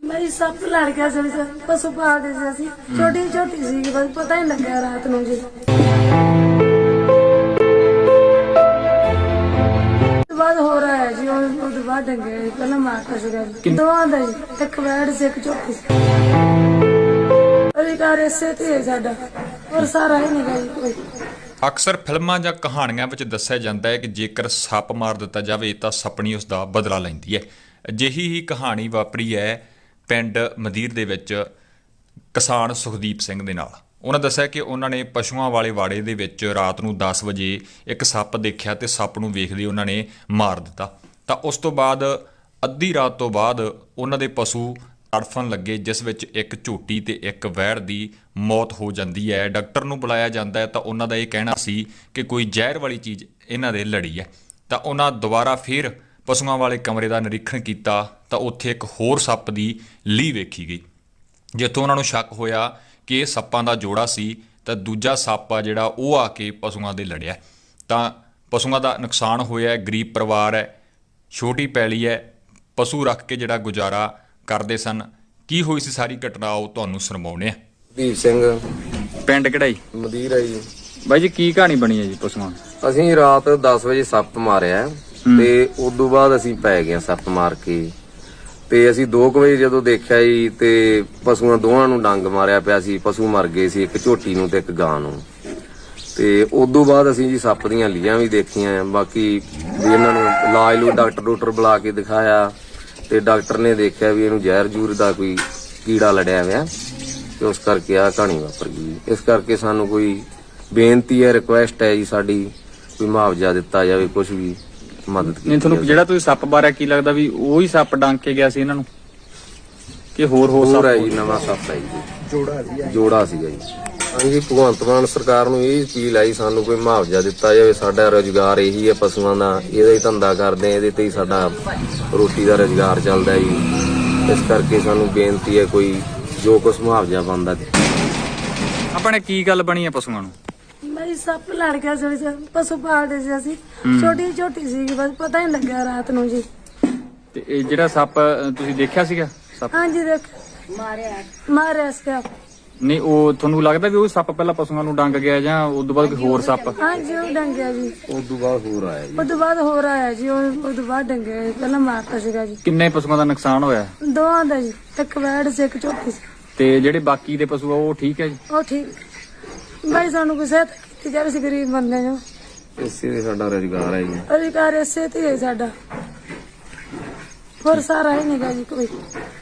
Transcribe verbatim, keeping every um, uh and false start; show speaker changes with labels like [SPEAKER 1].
[SPEAKER 1] भाई सब लड़ गया सभी से पशु पालते से असि छोटी छोटी सी बस पता ही लग गया रात ਨੂੰ जी बाद हो रहा है जी और बाद डंगे पहले मारता ਸੀਗਾ ਦੋ ਆਂਦਾ ਜੀ ਇੱਕ ਵੈੜ ਸੀ ਇੱਕ ਝੋਟੀ ਅਧਿਕਾਰ ਇਸੇ ਤੇ ਸਾਡਾ ਔਰ ਸਾਰਾ ਹੀ ਨਹੀਂ ਗਈ ਕੋਈ।
[SPEAKER 2] ਅਕਸਰ ਫਿਲਮਾਂ ਜਾਂ ਕਹਾਣੀਆਂ ਵਿੱਚ ਦੱਸਿਆ ਜਾਂਦਾ ਹੈ ਕਿ ਜੇਕਰ ਸੱਪ ਮਾਰ ਦਿੱਤਾ ਜਾਵੇ ਤਾਂ ਸੱਪਣੀ ਉਸ ਦਾ ਬਦਲਾ ਲੈਂਦੀ ਹੈ। ਅਜਿਹੀ ਹੀ ਕਹਾਣੀ ਵਾਪਰੀ ਹੈ ਪਿੰਡ ਮਦੀਰ ਦੇ ਵਿੱਚ ਕਿਸਾਨ ਸੁਖਦੀਪ ਸਿੰਘ ਦੇ ਨਾਲ। ਉਹਨਾਂ ਦੱਸਿਆ ਕਿ ਉਹਨਾਂ ਨੇ ਪਸ਼ੂਆਂ ਵਾਲੇ ਵਾੜੇ ਦੇ ਵਿੱਚ ਰਾਤ ਨੂੰ ਦਸ ਵਜੇ ਇੱਕ ਸੱਪ ਦੇਖਿਆ ਤੇ ਸੱਪ ਨੂੰ ਵੇਖਦੇ ਉਹਨਾਂ ਨੇ ਮਾਰ ਦਿੱਤਾ। ਤਾਂ ਉਸ ਤੋਂ ਬਾਅਦ ਅੱਧੀ ਰਾਤ ਤੋਂ ਬਾਅਦ ਉਹਨਾਂ ਦੇ ਪਸ਼ੂ ਤੜਫਣ ਲੱਗੇ, ਜਿਸ ਵਿੱਚ ਇੱਕ ਝੋਟੀ ਤੇ ਇੱਕ ਵੈੜ ਦੀ ਮੌਤ ਹੋ ਜਾਂਦੀ ਹੈ। ਡਾਕਟਰ ਨੂੰ ਬੁਲਾਇਆ ਜਾਂਦਾ ਹੈ ਤਾਂ ਉਹਨਾਂ ਦਾ ਇਹ ਕਹਿਣਾ ਸੀ ਕਿ ਕੋਈ ਜ਼ਹਿਰ ਵਾਲੀ ਚੀਜ਼ ਇਹਨਾਂ ਦੇ ਲੜੀ ਹੈ। ਤਾਂ ਉਹਨਾਂ ਦੁਬਾਰਾ ਫਿਰ ਪਸ਼ੂਆਂ ਵਾਲੇ ਕਮਰੇ ਦਾ ਨਿਰੀਖਣ ਕੀਤਾ ਤਾਂ ਉੱਥੇ ਇੱਕ ਹੋਰ ਸੱਪ ਦੀ ਲੀਹ ਵੇਖੀ ਗਈ, ਜਿੱਥੋਂ ਉਹਨਾਂ ਨੂੰ ਸ਼ੱਕ ਹੋਇਆ ਕਿ ਇਹ ਸੱਪਾਂ ਦਾ ਜੋੜਾ ਸੀ ਤਾਂ ਦੂਜਾ ਸੱਪ ਆ ਜਿਹੜਾ ਉਹ ਆ ਕੇ ਪਸ਼ੂਆਂ ਦੇ ਲੜਿਆ। ਤਾਂ ਪਸ਼ੂਆਂ ਦਾ ਨੁਕਸਾਨ ਹੋਇਆ। ਗਰੀਬ ਪਰਿਵਾਰ ਹੈ, ਛੋਟੀ ਪੈਲੀ ਹੈ, ਪਸ਼ੂ ਰੱਖ ਕੇ ਜਿਹੜਾ ਗੁਜ਼ਾਰਾ ਕਰਦੇ ਸਨ। ਕੀ ਹੋਈ ਸੀ ਸਾਰੀ ਘਟਨਾ ਉਹ ਤੁਹਾਨੂੰ ਸੁਣਾਉਣੇ ਆ।
[SPEAKER 3] ਦੀਪ ਸਿੰਘ
[SPEAKER 4] ਪਿੰਡ ਕਿਹੜਾ ਜੀ?
[SPEAKER 3] ਮਦੀਰ ਹੈ ਜੀ।
[SPEAKER 4] ਬਾਈ ਜੀ ਕੀ ਕਹਾਣੀ ਬਣੀ ਹੈ ਜੀ ਪਸ਼ੂਆਂ ਦੀ?
[SPEAKER 3] ਅਸੀਂ ਰਾਤ ਦਸ ਵਜੇ ਸੱਪ ਮਾਰਿਆ ਤੇ ਉਦੋਂ ਬਾਅਦ ਅਸੀਂ ਪੈ ਗਏ ਸੱਪ ਮਾਰ ਕੇ ਤੇ ਅਸੀਂ ਦੋ ਕੁ ਵਜੇ ਜਦੋਂ ਦੇਖਿਆ ਜੀ ਤੇ ਪਸ਼ੂਆਂ ਦੋਵਾਂ ਨੂੰ ਡੰਗ ਮਾਰਿਆ ਪਿਆ ਸੀ। ਪਸ਼ੂ ਮਰ ਗਏ ਸੀ, ਇੱਕ ਝੋਟੀ ਨੂੰ ਤੇ ਇੱਕ ਗਾਂ ਨੂੰ। ਤੇ ਉਦੋਂ ਬਾਅਦ ਅਸੀਂ ਜੀ ਸੱਪ ਦੀਆਂ ਲੀਆਂ ਵੀ ਦੇਖੀਆਂ। ਬਾਕੀ ਵੀ ਇਹਨਾਂ ਨੂੰ ਇਲਾਜ ਨੂੰ ਡਾਕਟਰ ਡਾਕਟਰ ਬੁਲਾ ਕੇ ਦਿਖਾਇਆ ਤੇ ਡਾਕਟਰ ਨੇ ਦੇਖਿਆ ਵੀ ਇਹਨੂੰ ਜ਼ਹਿਰ ਜੂਰ ਦਾ ਕੋਈ ਕੀੜਾ ਲੜਿਆ ਹੋਇਆ ਤੇ ਉਸ ਕਰਕੇ ਆ ਕਹਾਣੀ ਵਾਪਰ ਗਈ। ਇਸ ਕਰਕੇ ਸਾਨੂੰ ਕੋਈ ਬੇਨਤੀ ਹੈ, ਰਿਕੁਐਸਟ ਹੈ ਜੀ ਸਾਡੀ, ਕੋਈ ਮੁਆਵਜ਼ਾ ਦਿੱਤਾ ਜਾਵੇ, ਕੁਝ ਵੀ ਮਦਦ ਕੀਤੀ
[SPEAKER 4] ਨਹੀਂ ਤੁਹਾਨੂੰ ਜਿਹੜਾ ਤੁਸੀਂ ਸੱਪ ਬਾਰੇ ਕੀ ਲੱਗਦਾ ਵੀ ਉਹੀ ਸੱਪ ਡੰਗ ਕੇ ਗਿਆ ਸੀ ਇਹਨਾਂ ਨੂੰ ਕਿ ਹੋਰ ਹੋਰ
[SPEAKER 3] ਹੋਰ ਹੈ
[SPEAKER 4] ਸੱਪ?
[SPEAKER 3] ਜੀ ਨਵਾਂ ਸੱਪ ਹੈ ਜੀ, ਜੋੜਾ ਸੀ ਜੋੜਾ ਸੀਗਾ ਜੀ। ਹਾਂਜੀ ਭਗਵੰਤ ਮਾਨ ਸਰਕਾਰ ਨੂੰ ਇਹ ਅਪੀਲ ਆਈ ਸਾਨੂੰ ਕੋਈ ਮੁਆਵਜ਼ਾ ਦਿੱਤਾ ਜਾਵੇ। ਸਾਡਾ ਰੁਜ਼ਗਾਰ ਇਹੀ ਹੈ ਪਸ਼ੂਆਂ ਦਾ, ਇਹਦਾ ਹੀ ਧੰਦਾ ਕਰਦੇ ਆ, ਇਹਦੇ ਤੇ ਹੀ ਸਾਡਾ ਰੋਟੀ ਦਾ ਰੁਜ਼ਗਾਰ ਚੱਲਦਾ ਜੀ। ਇਸ ਕਰਕੇ ਸਾਨੂੰ ਬੇਨਤੀ ਹੈ ਕੋਈ ਜੋ ਕੁਛ ਮੁਆਵਜ਼ਾ ਬਣਦਾ।
[SPEAKER 4] ਆਪਣੇ ਕੀ ਗੱਲ ਬਣੀ ਹੈ ਪਸ਼ੂਆਂ ਨੂੰ?
[SPEAKER 1] भाई सब लड़ गया सभी से पशु पालते से असि छोटी छोटी सी बस पता ही लग गया रात ਨੂੰ ਜੀ।
[SPEAKER 4] ਤੇ ਇਹ ਜਿਹੜਾ ਸੱਪ ਤੁਸੀਂ ਦੇਖਿਆ ਸੀਗਾ ਸੱਪ?
[SPEAKER 1] हाँ जी देख मारे मारे इसके
[SPEAKER 4] ਨਹੀਂ ਉਹ ਤੁਹਾਨੂੰ ਲੱਗਦਾ ਵੀ ਉਹ ਸੱਪ ਪਹਿਲਾਂ ਪਸ਼ੂਆਂ ਨੂੰ ਡੰਗ ਗਿਆ ਜਾਂ ਉਸ ਤੋਂ ਬਾਅਦ ਕੋਈ ਹੋਰ ਸੱਪ?
[SPEAKER 1] हाँ जी वो डंगे जी
[SPEAKER 3] ਉਦੋਂ ਬਾਅਦ ਹੋਰ ਆਇਆ ਜੀ।
[SPEAKER 1] उस बाद हो रहा है जी उस बाद डंगे पहले मारता ਸੀਗਾ जी।
[SPEAKER 4] ਕਿੰਨੇ ਪਸ਼ੂਆਂ ਦਾ ਨੁਕਸਾਨ ਹੋਇਆ?
[SPEAKER 1] ਦੋਵਾਂ ਦਾ ਜੀ, ਇੱਕ ਵੈੜ ਸੀ ਇੱਕ ਝੋਟੀ ਸੀ।
[SPEAKER 4] ਤੇ ਜਿਹੜੇ ਬਾਕੀ ਦੇ ਪਸ਼ੂ ਆ ਉਹ ਠੀਕ ਹੈ ਜੀ?
[SPEAKER 1] ਉਹ ਠੀਕ ਭਾਈ ਸਾਨੂੰ ਕੋਈ ਸਹਾਇਤਾ ਕੀਤੀ ਜਾਵੇ, ਅਸੀਂ ਗਰੀਬ ਬੰਦੇ ਜੋ
[SPEAKER 3] ਇਸੇ ਦੇ ਸਾਡਾ ਰੁਜ਼ਗਾਰ ਹੈ ਜੀ।
[SPEAKER 1] ਅਧਿਕਾਰ ਇਸੇ ਤੇ ਹੈ ਸਾਡਾ, ਹੋਰ ਸਾਰਾ ਹੀ ਨਹੀਂ ਗਾ ਜੀ ਕੋਈ।